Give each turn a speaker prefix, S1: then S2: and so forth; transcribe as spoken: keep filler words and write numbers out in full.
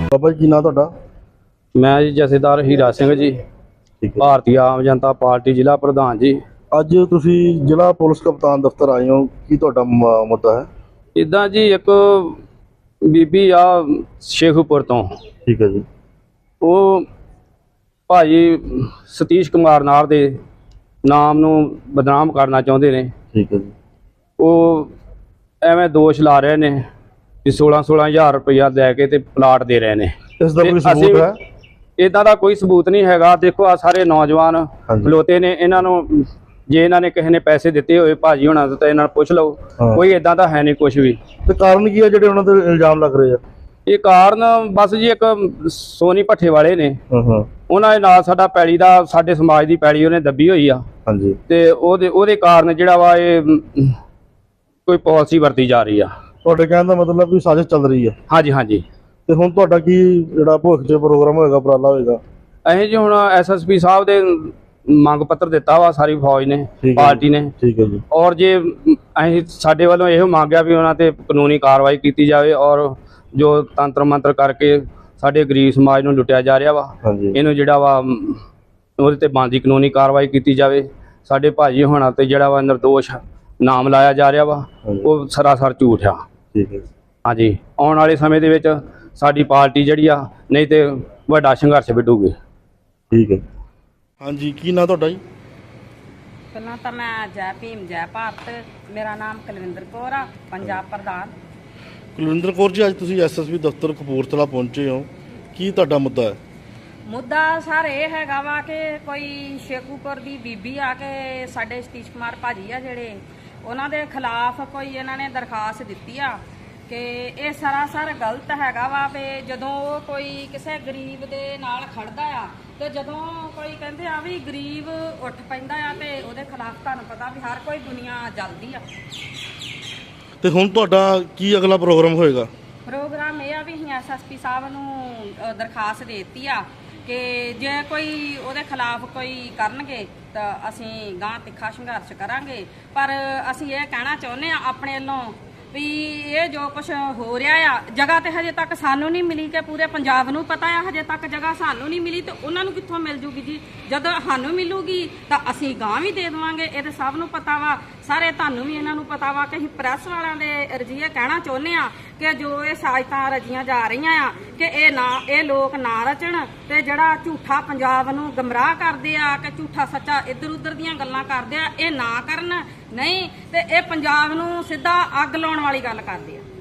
S1: ਬਾਬਾ ਜੀ ਕੀ ਨਾਂ ਤੁਹਾਡਾ?
S2: ਮੈਂ ਜੀ ਜਥੇਦਾਰ ਹੀਰਾ ਸਿੰਘ ਜੀ, ਭਾਰਤੀ ਆਮ ਜਨਤਾ ਪਾਰਟੀ ਜ਼ਿਲ੍ਹਾ ਪ੍ਰਧਾਨ ਜੀ।
S1: ਅੱਜ ਤੁਸੀਂ ਜ਼ਿਲ੍ਹਾ ਪੁਲਿਸ ਕਪਤਾਨ ਦਫ਼ਤਰ ਆਏ ਹੋ, ਕੀ ਤੁਹਾਡਾ ਮ- ਮੁੱਦਾ ਹੈ?
S2: ਇੱਦਾਂ ਜੀ ਇੱਕ ਬੀਬੀ ਆ ਸ਼ੇਖੂਪੁਰ ਤੋਂ,
S1: ਠੀਕ ਹੈ ਜੀ।
S2: ਉਹ ਭਾਜੀ ਸਤੀਸ਼ ਕੁਮਾਰ ਨਾਰ ਦੇ ਨਾਮ ਨੂੰ ਬਦਨਾਮ ਕਰਨਾ ਚਾਹੁੰਦੇ ਨੇ।
S1: ਠੀਕ ਹੈ ਜੀ।
S2: ਉਹ ਐਵੇਂ ਦੋਸ਼ ਲਾ ਰਹੇ ਨੇ ਕਿ सोलह सोलह हज़ार रुपया दे के ते प्लाट दे रहे ने।
S1: ਇਸ ਦਾ ਕੋਈ ਸਬੂਤ ਹੈ?
S2: इदा का कोई सबूत नहीं हैगा। देखो आ सारे नौजवान खलोते ने, इन्हां नूं जे इन्हां ने किसी ने पैसे दिते होए भाजी होना तो इन्हां नूं पुछ लओ, कोई इदां दा है नहीं कुछ भी।
S1: ਤੇ ਕਾਰਨ ਕੀ ਹੈ ਜਿਹੜੇ ਉਹਨਾਂ ਤੇ ਇਲਜ਼ਾਮ ਲੱਗ ਰਹੇ ਆ?
S2: ਇਹ ਕਾਰਨ ਬਸ ਜੀ ਇੱਕ ਸੋਨੀ ਭੱਠੇ ਵਾਲੇ ਨੇ,
S1: ਹਾਂ ਹਾਂ,
S2: ਉਹਨਾਂ ਦੇ ਨਾਲ ਸਾਡਾ ਪੈਲੀ ਦਾ, ਸਾਡੇ ਸਮਾਜ ਦੀ ਪੈਲੀ ਉਹਨੇ ਦੱਬੀ ਹੋਈ ਆ।
S1: ਹਾਂਜੀ।
S2: ਤੇ ਉਹਦੇ ਉਹਦੇ ਕਾਰਨ ਜਿਹੜਾ ਵਾ ਇਹ ਕੋਈ ਪਾਲਿਸੀ ਵਰਤੀ ਜਾ ਰਹੀ ਆ।
S1: ਤੁਹਾਡੇ ਕਹਿਣ ਦਾ ਮਤਲਬ ਵੀ ਸਾਜ਼ਿਸ਼ ਚੱਲ ਰਹੀ ਹੈ?
S2: ਹਾਂਜੀ ਹਾਂਜੀ।
S1: ਤੇ ਹੁਣ ਤੁਹਾਡਾ ਕੀ ਜਿਹੜਾ ਭਵਿੱਖ 'ਚ ਪ੍ਰੋਗਰਾਮ ਹੋਏਗਾ, ਉਪਰਾਲਾ ਹੋਏਗਾ?
S2: ਅਸੀਂ ਜੀ ਹੁਣ ਐਸ ਐਸ ਪੀ ਸਾਹਿਬ ਦੇ ਮੰਗ ਪੱਤਰ ਦਿੱਤਾ ਵਾ ਸਾਰੀ ਫੌਜ ਨੇ, ਪਾਰਟੀ ਨੇ।
S1: ਠੀਕ ਹੈ ਜੀ।
S2: ਔਰ ਜੇ ਅਸੀਂ ਸਾਡੇ ਵੱਲੋਂ ਇਹੋ ਮੰਗਿਆ ਵੀ ਉਹਨਾਂ ਤੇ ਕਾਨੂੰਨੀ ਕਾਰਵਾਈ ਕੀਤੀ ਜਾਵੇ, ਔਰ ਜੋ ਤੰਤਰ ਮੰਤਰ ਕਰਕੇ ਸਾਡੇ ਗਰੀਬ ਸਮਾਜ ਨੂੰ ਲੁੱਟਿਆ ਜਾ ਰਿਹਾ ਵਾ, ਇਹਨੂੰ ਜਿਹੜਾ ਵਾ ਉਹਦੇ ਤੇ ਬਣਦੀ ਕਾਨੂੰਨੀ ਕਾਰਵਾਈ ਕੀਤੀ ਜਾਵੇ। ਸਾਡੇ ਭਾਜੀ ਹੋਣਾ ਤੇ ਜਿਹੜਾ ਵਾ ਨਿਰਦੋਸ਼ ਨਾਮ ਲਾਇਆ ਜਾ ਰਿਹਾ ਵਾ, ਉਹ ਸਰਾਸਰ ਝੂਠ ਆ।
S1: ਠੀਕ ਹੈ।
S2: ਹਾਂਜੀ, ਆਉਣ ਵਾਲੇ ਸਮੇਂ ਦੇ ਵਿੱਚ ਸਾਡੀ ਪਾਰਟੀ ਜਿਹੜੀ ਆ ਨਹੀਂ ਤੇ ਵੱਡਾ ਸੰਘਰਸ਼ ਵਿੱਢੂਗੀ।
S1: ਠੀਕ ਹੈ। ਹਾਂਜੀ, ਕੀ ਨਾਂ ਤੁਹਾਡਾ ਜੀ?
S3: ਪਹਿਲਾਂ ਤਾਂ ਮੈਂ ਜੈ ਭੀਮ ਜੈ ਭਾਰਤ, ਮੇਰਾ ਨਾਮ ਕੁਲਵਿੰਦਰ ਕੌਰ ਆ, ਪੰਜਾਬ ਪ੍ਰਧਾਨ।
S1: ਕੁਲਵਿੰਦਰ ਕੌਰ ਜੀ, ਅੱਜ ਤੁਸੀਂ ਐਸ ਐਸ ਪੀ ਦਫ਼ਤਰ ਕਪੂਰਥਲਾ ਪਹੁੰਚੇ ਹੋ, ਕੀ ਤੁਹਾਡਾ ਮੁੱਦਾ ਹੈ?
S3: ਮੁੱਦਾ ਸਰ ਇਹ ਹੈਗਾ ਵਾ ਕਿ ਕੋਈ ਸ਼ੇਖੂਪੁਰ ਦੀ ਬੀਬੀ ਆ ਕੇ ਸਾਡੇ ਸਤੀਸ਼ ਕੁਮਾਰ ਭਾਜੀ ਆ ਜਿਹੜੇ, ਉਹਨਾਂ ਦੇ ਖਿਲਾਫ ਕੋਈ ਇਹਨਾਂ ਨੇ ਦਰਖਾਸਤ ਦਿੱਤੀ ਆ ਕਿ ਇਹ ਸਰਾਸਰ ਗਲਤ ਹੈਗਾ ਵਾ ਵੀ ਜਦੋਂ ਉਹ ਕੋਈ ਕਿਸੇ ਗਰੀਬ ਦੇ ਨਾਲ ਖੜਦਾ ਆ ਤੇ ਜਦੋਂ ਕੋਈ ਕਹਿੰਦੇ ਆ ਵੀ ਗਰੀਬ ਉੱਠ ਪੈਂਦਾ ਆ ਤੇ ਉਹਦੇ ਖਿਲਾਫ ਤੁਹਾਨੂੰ ਪਤਾ ਵੀ ਹਰ ਕੋਈ ਦੁਨੀਆ ਜਲਦੀ ਆ।
S1: ਤੇ ਹੁਣ ਤੁਹਾਡਾ ਕੀ ਅਗਲਾ ਪ੍ਰੋਗਰਾਮ ਹੋਏਗਾ?
S3: ਪ੍ਰੋਗਰਾਮ ਇਹ ਆ ਵੀ ਅਸੀਂ ਐਸ ਐਸ ਪੀ ਸਾਹਿਬ ਨੂੰ ਦਰਖਾਸਤ ਦੇ ਦਿੱਤੀ ਆ ਕਿ ਜੇ ਕੋਈ ਉਹਦੇ ਖਿਲਾਫ ਕੋਈ ਕਰਨਗੇ ਤਾਂ ਅਸੀਂ ਗਾਂ ਤਿੱਖਾ ਸੰਘਰਸ਼ ਕਰਾਂਗੇ। ਪਰ ਅਸੀਂ ਇਹ ਕਹਿਣਾ ਚਾਹੁੰਦੇ ਆ ਆਪਣੇ ਵੱਲੋਂ ਵੀ ਇਹ ਜੋ ਕੁਝ ਹੋ ਰਿਹਾ ਆ, ਜਗ੍ਹਾ ਤੇ ਹਜੇ ਤੱਕ ਸਾਨੂੰ ਨਹੀਂ ਮਿਲੀ ਕਿ ਪੂਰੇ ਪੰਜਾਬ ਨੂੰ ਪਤਾ ਆ, ਹਜੇ ਤੱਕ ਜਗ੍ਹਾ ਸਾਨੂੰ ਨਹੀਂ ਮਿਲੀ ਤੇ ਉਹਨਾਂ ਨੂੰ ਕਿੱਥੋਂ ਮਿਲ ਜੂਗੀ ਜੀ? ਜਦੋਂ ਸਾਨੂੰ ਮਿਲੂਗੀ ਤਾਂ ਅਸੀਂ ਗਾਂ ਵੀ ਦੇ ਦੇਵਾਂਗੇ। ਇਹ ਤਾਂ ਸਭ ਨੂੰ ਪਤਾ ਵਾ, ਸਾਰੇ ਤੁਹਾਨੂੰ ਵੀ ਇਹਨਾਂ ਨੂੰ ਪਤਾ ਵਾ ਕਿ ਅਸੀਂ ਪ੍ਰੈਸ ਵਾਲਿਆਂ ਦੇ ਰਜੀਏ ਕਹਿਣਾ ਚਾਹੁੰਦੇ ਆ ਕਿ ਜੋ ਇਹ ਸਾਜ਼ਤਾਂ ਰਚੀਆਂ ਜਾ ਰਹੀਆਂ ਆ ਕਿ ਇਹ ਨਾ ਇਹ ਲੋਕ ਨਾ ਰਚਣ ਤੇ ਜਿਹੜਾ ਝੂਠਾ ਪੰਜਾਬ ਨੂੰ ਗਮਰਾਹ ਕਰਦੇ ਆ ਕਿ ਝੂਠਾ ਸੱਚਾ ਇੱਧਰ ਉੱਧਰ ਦੀਆਂ ਗੱਲਾਂ ਕਰਦੇ ਆ, ਇਹ ਨਾ ਕਰਨ। ਨਹੀਂ ਤੇ ਇਹ ਪੰਜਾਬ ਨੂੰ ਸਿੱਧਾ ਅੱਗ ਲਾਉਣ ਵਾਲੀ ਗੱਲ ਕਰਦੇ ਆ।